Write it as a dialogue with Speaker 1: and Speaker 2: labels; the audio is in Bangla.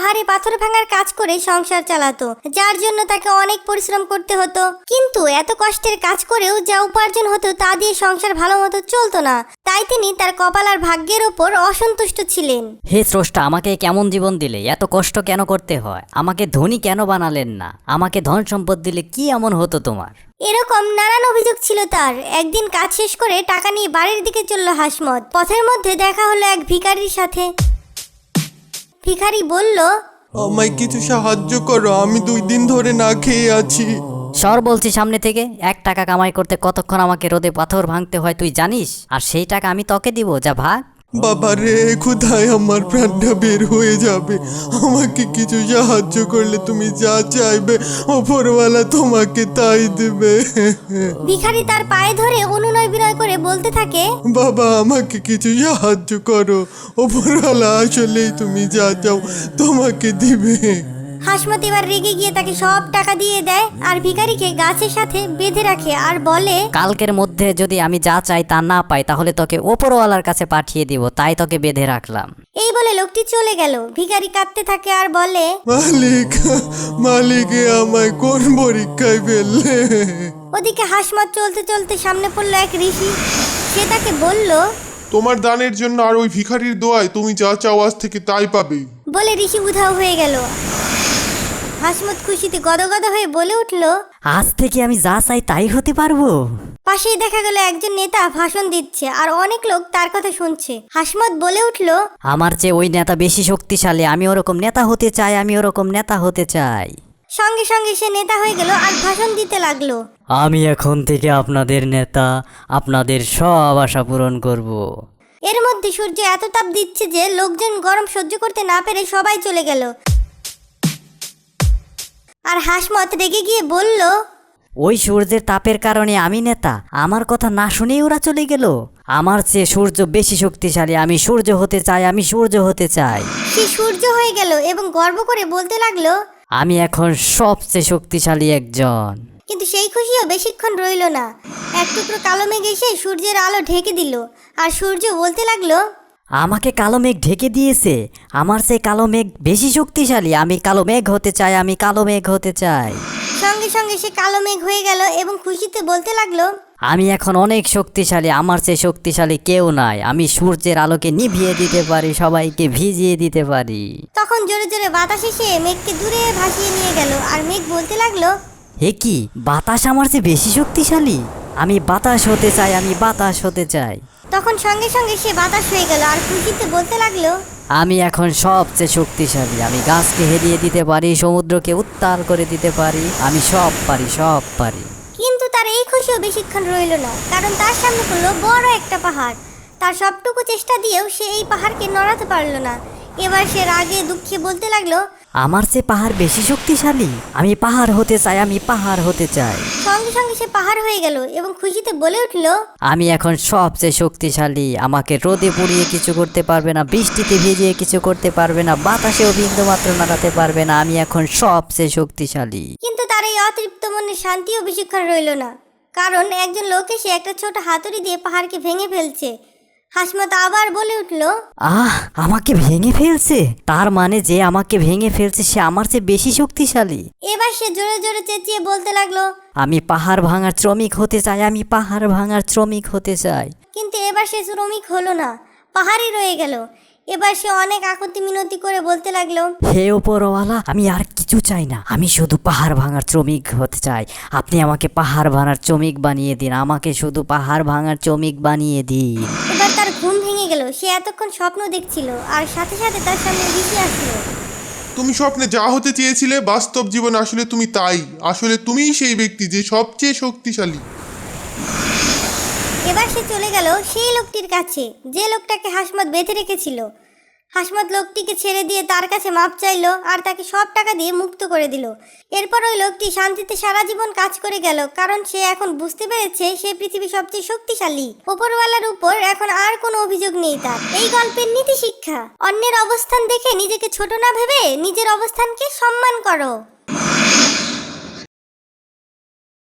Speaker 1: পাহাড়ে পাথর ভাঙার কাজ করে সংসার চালাতো, যার জন্য তাকে অনেক পরিশ্রম করতে হতো। কিন্তু এত কষ্টের কাজ করেও যা উপার্জন হতো তা দিয়ে সংসার ভালো মতো চলতো না, তাই তিনি তার কপাল আর ভাগ্যের ওপর অসন্তুষ্ট ছিলেন।
Speaker 2: হে স্রষ্টা, আমাকে কেমন জীবন দিলে? এত কষ্ট কেন করতে হয়? আমাকে ধনী কেন বানালেন না? আমাকে ধন সম্পদ দিলে কি এমন হতো তোমার?
Speaker 1: এরকম নানান অভিযোগ ছিল তার। একদিন কাজ শেষ করে টাকা নিয়ে বাড়ির দিকে চলল হাসমত। পথের মধ্যে দেখা হলো এক ভিখারির সাথে। ভিখারি বলল,
Speaker 3: আমায় কিছু সাহায্য করো, আমি 2 দিন ধরে না খেয়ে আছি।
Speaker 2: সর বলছি সামনে থেকে। 1 টাকা কামাই করতে কতক্ষণ আমাকে রোদে পাথর ভাঙতে হয় তুই জানিস? আর সেই টাকা আমি তোকে দিব, যা ভাগ।
Speaker 3: বাবা রে, কোথায় আমার প্রাণটা বের হয়ে যাবে। আমাকে কিছু সাহায্য করলে তুমি যা চাইবে ওপরওয়ালা তোমাকে তাই দেবে।
Speaker 1: ভিখারি তার পায়ে ধরে অনুনয় বিনয় করে বলতে থাকে,
Speaker 3: বাবা আমাকে কিছু সাহায্য করো, ওপরওয়ালা আসলেই তুমি যা চাও তোমাকে দিবে।
Speaker 1: হাসমত এবার রেগে গিয়ে তাকে সব টাকা দিয়ে দেয় আর ভিখারিকে গাছের সাথে বেঁধে রাখে আর বলে,
Speaker 2: কালকের মধ্যে যদি আমি যা চাই তা না পাই তাহলে তোকে ওপরওয়ালার কাছে পাঠিয়ে দিব, তাই তোকে বেঁধে রাখলাম।
Speaker 1: এই বলে লোকটি চলে গেল। ভিখারি কাঁদতে থাকে আর বলে,
Speaker 3: মালিক, মালিকে আমায় কোন পরীক্ষায় ফেললে?
Speaker 1: ওদিকে হাসমত চলতে চলতে সামনে পড়লো এক ঋষি। সে তাকে বলল,
Speaker 4: তোমার দানের জন্য আর ওই ভিখারির দোয়ায় তুমি যা চাও আজ থেকে তাই পাবে।
Speaker 1: বলে ঋষি উধাও হয়ে গেল। হাসমত খুশিতে গদগদ হয়ে বলে উঠল,
Speaker 2: আজ থেকে আমি যা চাই তাই হতে পারবো।
Speaker 1: পাশেই দেখা গেল একজন নেতা ভাষণ দিচ্ছে আর অনেক লোক তার কথা শুনছে। হাসমত বলে উঠল,
Speaker 2: আমার চেয়ে ওই নেতা বেশি শক্তিশালী, আমি ওরকম নেতা হতে চাই, আমি ওরকম নেতা হতে চাই।
Speaker 1: সঙ্গে সঙ্গে সে নেতা হয়ে গেল আর ভাষণ দিতে লাগলো।
Speaker 2: আমি এখন থেকে আপনাদের নেতা, আপনাদের সব আশা পূরণ করব।
Speaker 1: এর মধ্যে সূর্য এত তাপ দিচ্ছে যে লোকজন গরম সহ্য করতে না পেরে সবাই চলে গেল। আর হাসমত রেগে গিয়ে বলল,
Speaker 2: ওই সূর্যের তাপের কারণে আমি নেতা, আমার কথা না শুনেই ওরা চলে গেল। আমার চেয়ে সূর্য বেশি শক্তিশালী, আমি সূর্য হতে চাই, আমি সূর্য হতে চাই।
Speaker 1: সে সূর্য হয়ে গেল এবং গর্ব করে বলতে লাগলো,
Speaker 2: আমি এখন সবচেয়ে শক্তিশালী একজন।
Speaker 1: কিন্তু সেই খুশিও বেশিক্ষণ রইল না। এক টুকরো কালো মেঘ এসে সূর্যের আলো ঢেকে দিল আর সূর্য বলতে লাগলো,
Speaker 2: আমাকে কালো মেঘ ঢেকে দিয়েছে, আমার চেয়ে কালো মেঘ বেশি শক্তিশালী, আমি কালো মেঘ হতে চাই, আমি কালো মেঘ হতে চাই।
Speaker 1: সঙ্গে সঙ্গে সে কালো মেঘ হয়ে গেল এবং খুশিতে বলতে লাগলো,
Speaker 2: আমি এখন অনেক শক্তিশালী, আমার চেয়ে শক্তিশালী কেউ নাই, আমি সূর্যের আলোকে নিভিয়ে দিতে পারি, সবাইকে ভিজিয়ে দিতে পারি।
Speaker 1: তখন জোরে জোরে বাতাস এসে মেঘকে দূরে ভাসিয়ে নিয়ে গেল আর মেঘ বলতে লাগলো,
Speaker 2: হে কি, বাতাস আমার চেয়ে বেশি শক্তিশালী? আমি বাতাস হতে চাই, আমি বাতাস হতে চাই।
Speaker 1: তখন সঙ্গে সঙ্গে সে বাতাস হয়ে গেল আর খুশিতে বলতে লাগলো,
Speaker 2: আমি এখন সবচেয়ে শক্তিশালী, আমি গাছকে হেরিয়ে দিতে পারি, সমুদ্রকে উত্তাল করে দিতে পারি, আমি সব পারি, সব পারি।
Speaker 1: কিন্তু তার এই খুশিও বেশিক্ষণ রইল না, কারণ তার সামনে পড়লো বড় একটা পাহাড়। তার সবটুকু চেষ্টা দিয়েও সে এই পাহাড়কে নড়াতে পারলো না। এবার সে রাগে দুঃখে বলতে লাগলো,
Speaker 2: আমার চেয়ে পাহাড় বেশি শক্তিশালী, আমি পাহাড় হতে চাই, আমি পাহাড় হতে চাই।
Speaker 1: সঙ্গে সঙ্গে সে পাহাড় হয়ে গেল এবং খুশিতে বলে উঠল,
Speaker 2: আমি এখন সবচেয়ে শক্তিশালী, আমাকে রোদে পুড়িয়ে কিছু করতে পারবে না, বৃষ্টিতে ভিজিয়ে কিছু করতে পারবে না, বাতাসেও বিন্দুমাত্র নাড়াতে পারবে না, আমি এখন সবচেয়ে শক্তিশালী।
Speaker 1: কিন্তু তার এই অতৃপ্ত মনের শান্তিও বেশিক্ষণ রইল না, কারণ একজন লোক এসে একটা ছোট হাতুড়ি দিয়ে পাহাড়কে ভেঙে ফেলছে। হাসমত আবার বলে উঠল,
Speaker 2: আমাকে ভেঙে ফেলছে? তার মানে যে আমাকে ভেঙে ফেলছে সে আমার চেয়ে বেশি শক্তিশালী।
Speaker 1: এবার সে জোরে জোরে চেঁচিয়ে বলতে লাগলো,
Speaker 2: আমি পাহাড় ভাঙার শ্রমিক হতে চাই, আমি পাহাড় ভাঙার শ্রমিক হতে চাই।
Speaker 1: কিন্তু এবার সে শ্রমিক হলো না, পাহাড়ই রয়ে গেল। এবার সে অনেক আকুতি মিনতি করে বলতে লাগলো,
Speaker 2: হে ওপরওয়ালা, আমি আর কিছু চাই না, আমি শুধু পাহাড় ভাঙার শ্রমিক হতে চাই, আপনি আমাকে পাহাড় ভাঙার শ্রমিক বানিয়ে দিন, আমাকে শুধু পাহাড় ভাঙার শ্রমিক বানিয়ে দিন।
Speaker 1: এবার তার ঘুম ভেঙে গেল। সে এতক্ষণ স্বপ্ন দেখছিল আর সাথে সাথে তার সামনে ঋষি আসলো।
Speaker 4: তুমি স্বপ্নে যা হতে চেয়েছিলে বাস্তব জীবনে আসলে তুমি তাই, আসলে তুমিই সেই ব্যক্তি যে সবচেয়ে শক্তিশালী।
Speaker 1: এবার সে চলে গেল সেই লোকটির কাছে যে লোকটাকে হাসমত বেঁধে রেখেছিল। হাসমত লোকটিকে ছেড়ে দিয়ে তার কাছে মাপ চাইলো আর তাকে সব টাকা দিয়ে মুক্ত করে দিল। এরপর ওই লোকটি শান্তিতে সারা জীবন কাজ করে গেল, কারণ সে এখন বুঝতে পেরেছে সে পৃথিবীর সবচেয়ে শক্তিশালী। ওপরওয়ালার উপর এখন আর কোনো অভিযোগ নেই তার। এই গল্পের নীতি শিক্ষা, অন্যের অবস্থান দেখে নিজেকে ছোট না ভেবে নিজের অবস্থানকে সম্মান করো।